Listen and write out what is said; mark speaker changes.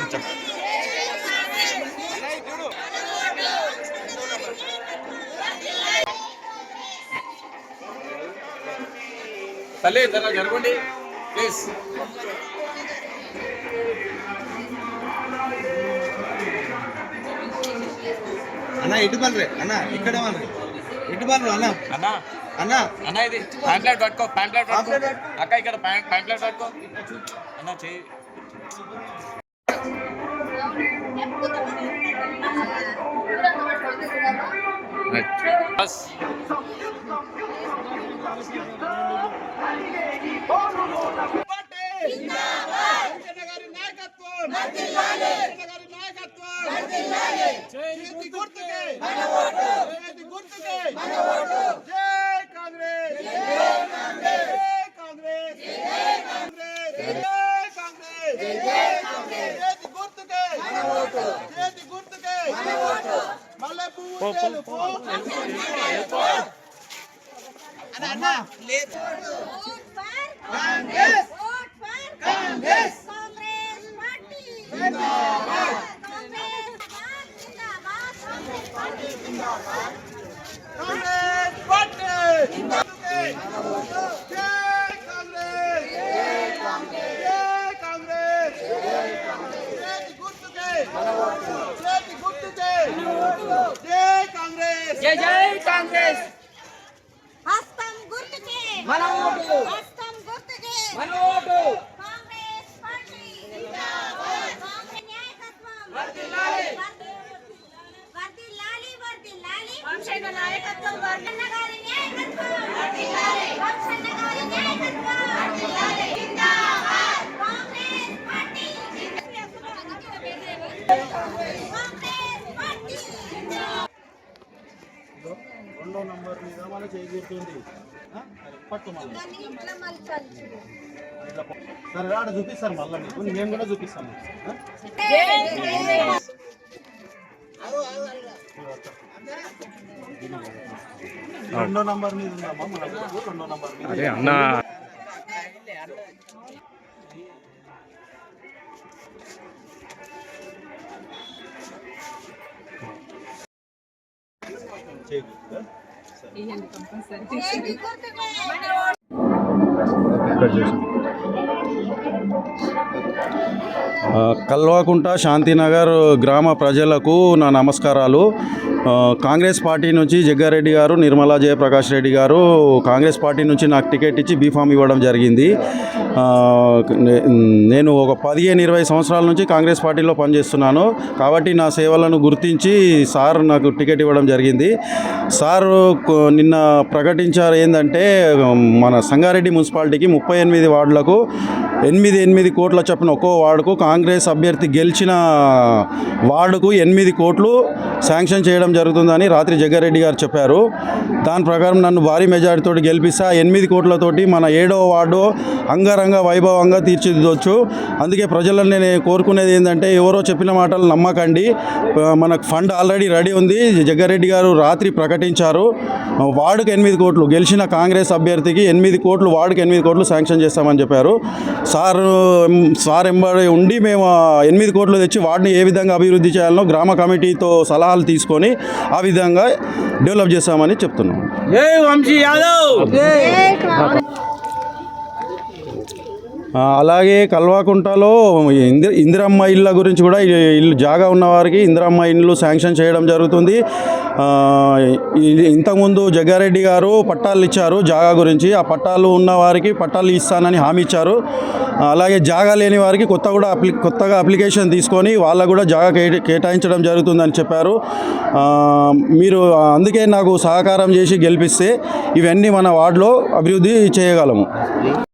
Speaker 1: తల్లి జర జరగండి ప్లీజ్.
Speaker 2: అన్న ఇటు బల్రే అన్న ఇక్కడ ఇటు బల్రు అన్న
Speaker 1: అన్న
Speaker 2: అన్న
Speaker 1: అన్న ఇది ప్యాంప్లెట్ పట్టుకో, ప్యాంప్లెట్ అక్క ఇక్కడ ప్యాంప్లెట్ పట్టుకో అన్న చెయ్యి. బస్
Speaker 3: జై జై కాంగ్రెస్. హస్తం గుర్తుకే మన ఓటు, హస్తం గుర్తుకే మన ఓటు. కాంగ్రెస్ పార్టీ జిందాబాద్. కాంగ్రెస్ నాయకత్వం వర్ధిల్లాలి వర్ధిల్లాలి వర్ధిల్లాలి. వంశన్న నాయకత్వం వర్ధన్న గారి నాయకత్వం వర్ధిల్లాలి. వంశన్న గారి నాయకత్వం వర్ధిల్లాలి. జిందాబాద్. కాంగ్రెస్ పార్టీ
Speaker 2: రెండో నంబర్ మీద మన చేకూరుతుంది పట్టు సరే ఆడ చూపిస్తారు మళ్ళీ మీకు మేము కూడా చూపిస్తాము. రెండో నంబర్ మీద ఉందమ్మా మన రెండో నంబర్ మీద
Speaker 1: అన్నా
Speaker 4: కల్వకుంట శాంతినగర్ గ్రామ ప్రజలకు నా నమస్కారాలు. కాంగ్రెస్ పార్టీ నుంచి జగ్గారెడ్డి గారు, నిర్మలా జయప్రకాష్ రెడ్డి గారు కాంగ్రెస్ పార్టీ నుంచి నాకు టికెట్ ఇచ్చి బీఫామ్ ఇవ్వడం జరిగింది. నేను ఒక 15-20 సంవత్సరాల నుంచి కాంగ్రెస్ పార్టీలో పనిచేస్తున్నాను కాబట్టి నా సేవలను గుర్తించి సార్ నాకు టికెట్ ఇవ్వడం జరిగింది. సార్ నిన్న ప్రకటించారు ఏంటంటే మన సంగారెడ్డి మున్సిపాలిటీకి 38 వార్డులకు 8 కోట్ల చొప్పున ఒక్కో వార్డుకు కాంగ్రెస్ అభ్యర్థి గెలిచిన వార్డుకు 8 కోట్లు శాంక్షన్ చేయడం జరుగుతుందని రాత్రి జగ్గారెడ్డి గారు చెప్పారు. దాని ప్రకారం నన్ను భారీ మెజారిటీతో గెలిపిస్తే ఆ 8 కోట్లతోటి మన 7వ వార్డు అంగరంగ వైభవంగా తీర్చిదిద్దొచ్చు. అందుకే ప్రజలను నేను కోరుకునేది ఏంటంటే ఎవరో చెప్పిన మాటలు నమ్మకండి. మనకు ఫండ్ ఆల్రెడీ రెడీ ఉంది. జగ్గారెడ్డి గారు రాత్రి ప్రకటించారు వార్డుకు 8 కోట్లు గెలిచిన కాంగ్రెస్ అభ్యర్థికి 8 కోట్లు వార్డుకి 8 కోట్లు శాంక్షన్ చేస్తామని చెప్పారు. సార్ ఎంబడి ఉండి మేము 8 కోట్లు తెచ్చి వార్డుని ఏ విధంగా అభివృద్ధి చేయాలనో గ్రామ కమిటీతో సలహాలు తీసుకొని ఆ విధంగా డెవలప్ చేస్తామని చెప్తున్నాం.
Speaker 2: జై వంశీ యాదవ్.
Speaker 4: అలాగే కల్వకుంటలో ఇందిరమ్మ ఇళ్ళ గురించి కూడా ఇల్లు జాగా ఉన్నవారికి ఇందిరమ్మ ఇళ్ళు శాంక్షన్ చేయడం జరుగుతుంది. ఇంతకుముందు జగ్గారెడ్డి గారు పట్టాలు ఇచ్చారు జాగా గురించి. ఆ పట్టాలు ఉన్న వారికి పట్టాలు ఇస్తానని హామీ ఇచ్చారు. అలాగే జాగా లేని వారికి కొత్తగా అప్లికేషన్ తీసుకొని వాళ్ళకు కూడా జాగా కేటాయించడం జరుగుతుందని చెప్పారు. మీరు అందుకే నాకు సహకారం చేసి గెలిపిస్తే ఇవన్నీ మన వార్డులో అభివృద్ధి చేయగలము.